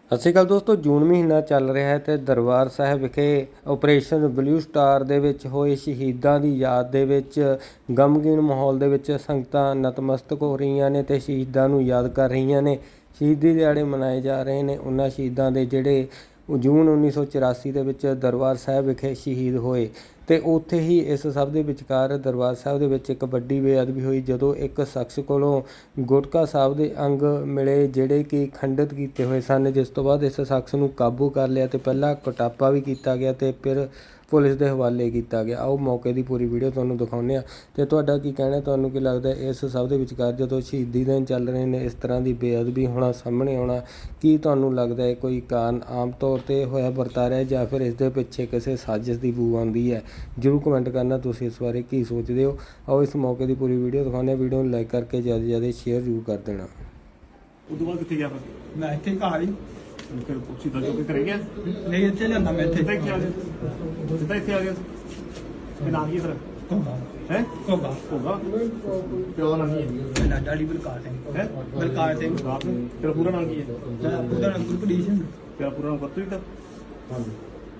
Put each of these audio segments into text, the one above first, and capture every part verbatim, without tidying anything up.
ਸਤਿ ਸ਼੍ਰੀ ਅਕਾਲ ਦੋਸਤੋ, ਜੂਨ ਮਹੀਨਾ ਚੱਲ ਰਿਹਾ ਹੈ ਤੇ ਦਰਬਾਰ ਸਾਹਿਬ ਵਿਖੇ ਆਪਰੇਸ਼ਨ ਬਲੂ ਸਟਾਰ ਦੇ ਵਿੱਚ ਹੋਏ ਸ਼ਹੀਦਾਂ ਦੀ ਯਾਦ ਦੇ ਵਿੱਚ ਗਮਗੀਨ ਮਾਹੌਲ ਦੇ ਵਿੱਚ ਸੰਗਤਾਂ ਨਤਮਸਤਕ ਹੋ ਰਹੀਆਂ ਨੇ ਤੇ ਸ਼ਹੀਦਾਂ ਨੂੰ ਯਾਦ ਕਰ ਰਹੀਆਂ ਨੇ। ਸ਼ਹੀਦੀ ਦਿਹਾੜੇ ਮਨਾਏ ਜਾ ਰਹੇ ਨੇ ਉਹਨਾਂ ਸ਼ਹੀਦਾਂ ਦੇ ਜਿਹੜੇ ਜੂਨ ਉੱਨੀ ਸੌ ਚੁਰਾਸੀ ਦੇ ਵਿੱਚ ਦਰਬਾਰ ਸਾਹਿਬ ਵਿਖੇ ਸ਼ਹੀਦ ਹੋਏ। ਤੇ ਉੱਥੇ ਹੀ ਇਸ ਸਭ ਦੇ ਵਿਚਕਾਰ ਦਰਬਾਰ ਸਾਹਿਬ ਦੇ ਵਿੱਚ ਇੱਕ ਵੱਡੀ ਬੇਅਦਬੀ ਹੋਈ ਜਦੋਂ ਇੱਕ ਸ਼ਖਸ ਕੋਲੋਂ ਗੁਟਕਾ ਸਾਹਿਬ ਦੇ ਅੰਗ ਮਿਲੇ ਜਿਹੜੇ ਕਿ ਖੰਡਿਤ ਕੀਤੇ ਹੋਏ ਸਨ, ਜਿਸ ਤੋਂ ਬਾਅਦ ਇਸ ਸ਼ਖਸ ਨੂੰ ਕਾਬੂ ਕਰ ਲਿਆ ਤੇ ਪਹਿਲਾਂ ਕੁਟਾਪਾ ਵੀ ਕੀਤਾ ਗਿਆ ਤੇ ਫਿਰ ਪੁਲਿਸ ਦੇ ਹਵਾਲੇ ਕੀਤਾ ਗਿਆ। ਆਓ ਮੌਕੇ ਦੀ ਪੂਰੀ ਵੀਡੀਓ ਤੁਹਾਨੂੰ ਦਿਖਾਉਂਦੇ ਹਾਂ ਤੇ ਤੁਹਾਡਾ ਕੀ ਕਹਿਣਾ, ਤੁਹਾਨੂੰ ਕੀ ਲੱਗਦਾ ਇਸ ਸਭ ਦੇ ਵਿਚਕਾਰ ਜਦੋਂ ਸ਼ਹੀਦੀ ਦਿਨ ਚੱਲ ਰਹੇ ਨੇ ਇਸ ਤਰ੍ਹਾਂ ਦੀ ਬੇਅਦਬੀ ਹੋਣਾ ਸਾਹਮਣੇ ਆਉਣਾ, ਕੀ ਤੁਹਾਨੂੰ ਲੱਗਦਾ ਹੈ ਕੋਈ ਕਾਰਨ ਆਮ ਤੌਰ 'ਤੇ ਹੋਇਆ ਵਰਤਾ ਰਿਹਾ ਜਾਂ ਫਿਰ ਇਸ ਦੇ ਪਿੱਛੇ ਕਿਸੇ ਸਾਜ਼ਿਸ਼ ਦੀ ਬੂ ਆਉਂਦੀ ਹੈ? ਜ਼ਰੂਰ ਕਮੈਂਟ ਕਰਨਾ ਤੁਸੀਂ ਇਸ ਬਾਰੇ ਕੀ ਸੋਚਦੇ ਹੋ। ਆਓ ਇਸ ਮੌਕੇ ਦੀ ਪੂਰੀ ਵੀਡੀਓ ਦਿਖਾਉਂਦੇ ਹਾਂ। ਵੀਡੀਓ ਨੂੰ ਲਾਈਕ ਕਰਕੇ ਜ਼ਿਆਦਾ ਤੋਂ ਜ਼ਿਆਦਾ ਸ਼ੇਅਰ ਜ਼ਰੂਰ ਕਰ ਦੇਣਾ। ਉਦੋਂ ਬਾਅਦ ਕਿੱਥੇ ਗਿਆ ਫਿਰ? ਮੈਂ ਇੱਥੇ ਘਰ ਹੀ ਫਿਰ ਸਿੱਧਾ ਜੋ ਕਿ ਕਰੇ ਗਿਆ ਨਹੀਂ ਇੱਥੇ ਲਿਆਂਦਾ ਮੈਂ ਇੱਥੇ ਸਿੱਧਾ ਇੱਥੇ ਆ ਗਿਆ ਸਿੱਧਾ ਇੱਥੇ ਆ ਗਿਆ ਤੇ ਨਾਮ ਕੀ ਫਿਰ ਘੋਗਾ ਹੈ ਘੋਗਾ ਹੋਗਾ ਪਿਓ ਦਾ ਨਾਮ ਕੀ ਹੈ? ਮੇਰਾ ਡੈਡੀ ਬਲਕਾਰ ਸਿੰਘ ਹੈ ਬਲਕਾਰ ਸਿੰਘ ਬਾਪ ਨੇ ਤੇਰਾ ਪੂਰਾ ਨਾਮ ਕੀ ਹੈ? ਮੇਰਾ ਉਹਦਾ ਨਾਮ ਗੁਰਪ੍ਰੀਤ ਸਿੰਘ। ਤੇਰਾ ਪੂਰਾ ਨਾਮ ਪਤਾ ਹੀ ਤਾਂ ਹਾਂਜੀ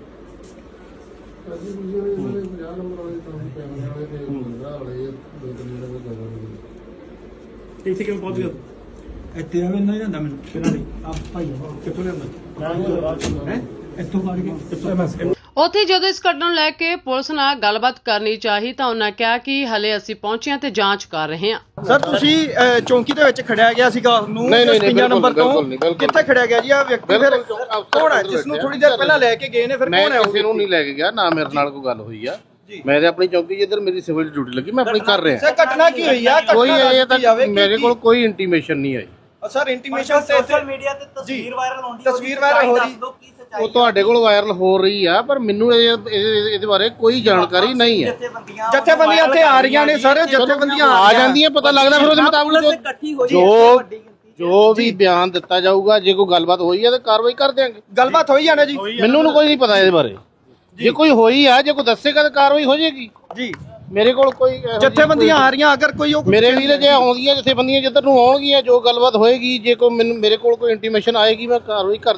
ਇੱਥੇ ਕਿਵੇਂ ਪਹੁੰਚ ਗਿਆ? ਇੱਥੇ ਆਵੇ ਨਹੀਂ ਜਾਂਦਾ ਮੈਨੂੰ ਕਿਹਨਾਂ ਦੀ ਆ ਭਾਈ ਕਿੱਥੋਂ ਲਿਆਂਦਾ ਹੈ ਇੱਥੋਂ ਫੜ ਕੇ ਕਿੱਥੋਂ? ਉੱਥੇ ਜਦੋਂ ਇਸ ਘਟਨਾ ਨੂੰ ਲੈ ਕੇ ਪੁਲਿਸ ਨਾਲ ਗੱਲਬਾਤ ਕਰਨੀ ਚਾਹੀ ਤਾਂ ਉਹਨਾਂ ਕਿਹਾ ਕਿ ਹਲੇ ਅਸੀਂ ਪਹੁੰਚੇ ਹਾਂ ਤੇ ਜਾਂਚ ਕਰ ਰਹੇ ਹਾਂ। ਸਰ ਤੁਸੀਂ ਅਹ, ਚੌਂਕੀ ਦੇ ਵਿੱਚ ਖੜਿਆ ਗਿਆ ਸੀਗਾ ਨੂੰ ਛਪੰਜਾ ਨੰਬਰ ਤੋਂ ਕਿੱਥੇ ਖੜਿਆ ਗਿਆ ਜੀ? ਆ ਵਿਅਕਤੀ ਫਿਰ ਕੌਣ ਹੈ ਜਿਸ ਨੂੰ ਥੋੜੀ ਦੇਰ ਪਹਿਲਾਂ ਲੈ ਕੇ ਗਏ ਨੇ? ਫਿਰ ਕੌਣ ਹੈ? ਮੈਂ ਕਿਸੇ ਨੂੰ ਨਹੀਂ ਲੈ ਕੇ ਗਿਆ, ਨਾ ਮੇਰੇ ਨਾਲ ਕੋਈ ਗੱਲ ਹੋਈ ਆ। ਮੈਂ ਤੇ ਆਪਣੀ ਚੌਂਕੀ ਜਿੱਧਰ ਮੇਰੀ ਸਿਵਲ ਡਿਊਟੀ ਲੱਗੀ ਮੈਂ ਆਪਣੀ ਕਰ ਰਿਹਾ। ਸਰ ਘਟਨਾ ਕੀ ਹੋਈ ਆ? ਕੋਈ ਇਹ ਤੱਕ ਜਾਵੇ ਮੇਰੇ ਕੋਲ ਕੋਈ ਇੰਟੀਮੇਸ਼ਨ ਨਹੀਂ ਆਈ। ਸਰ ਇੰਟੀਮੇਸ਼ਨ ਤੇ ਸੋਸ਼ਲ ਮੀਡੀਆ ਤੇ ਤਸਵੀਰ ਵਾਇਰਲ ਹੁੰਦੀ ਹੈ, ਤਸਵੀਰ ਵਾਇਰਲ ਹੋ ਰਹੀ ਉਹ ਤੁਹਾਡੇ ਕੋਲ ਵਾਇਰਲ ਹੋ ਰਹੀ ਆ ਪਰ ਮੈਨੂੰ ਇਹ- ਇਹ- ਇਹਦੇ ਬਾਰੇ ਕੋਈ ਜਾਣਕਾਰੀ ਨਹੀਂ ਹੈ। ਜਥੇਬੰਦੀਆਂ ਇੱਥੇ ਆ ਰਹੀਆਂ ਨੇ ਸਰ, ਜਥੇਬੰਦੀਆਂ ਆ ਜਾਂਦੀਆਂ, ਪਤਾ ਲੱਗਦਾ ਫਿਰ ਉਹਦੇ ਮੁਤਾਬਕ ਜੋ ਜੋ ਜੋ ਵੀ ਬਿਆਨ ਦਿੱਤਾ ਜਾਊਗਾ। ਜੇ ਕੋਈ ਗੱਲਬਾਤ ਹੋਈ ਹੈ ਤਾਂ ਕਾਰਵਾਈ ਕਰ ਦਿਆਂਗੇ। ਗੱਲਬਾਤ ਹੋਈ ਜਾਣਾ ਜੀ? ਮੈਨੂੰ ਨੂੰ ਕੋਈ ਨਹੀਂ ਪਤਾ ਇਹਦੇ ਬਾਰੇ। ਜੇ ਕੋਈ ਹੋਈ ਆ, ਜੇ ਕੋਈ ਦੱਸੇਗਾ ਤਾਂ ਕਾਰਵਾਈ ਹੋ ਜਾਏਗੀ ਜੀ। ਮੇਰੇ ਕੋਲ ਕੋਈ ਇਹੋ ਜਿਹੀ ਜਥੇਬੰਦੀਆਂ ਆ ਰਹੀਆਂ, ਅਗਰ ਕੋਈ ਉਹ ਮੇਰੇ ਵੀਰ ਜੇ ਆਉਂਦੀਆਂ ਜਥੇਬੰਦੀਆਂ ਜਿੱਧਰ ਨੂੰ ਆਉਣਗੀਆਂ, ਜੋ ਗੱਲਬਾਤ ਹੋਏਗੀ, ਜੇ ਕੋਈ ਮੈਨੂੰ ਮੇਰੇ ਕੋਲ ਕੋਈ ਇੰਟੀਮੇਸ਼ਨ ਆਏਗੀ ਮੈਂ ਕਾਰਵਾਈ ਕਰ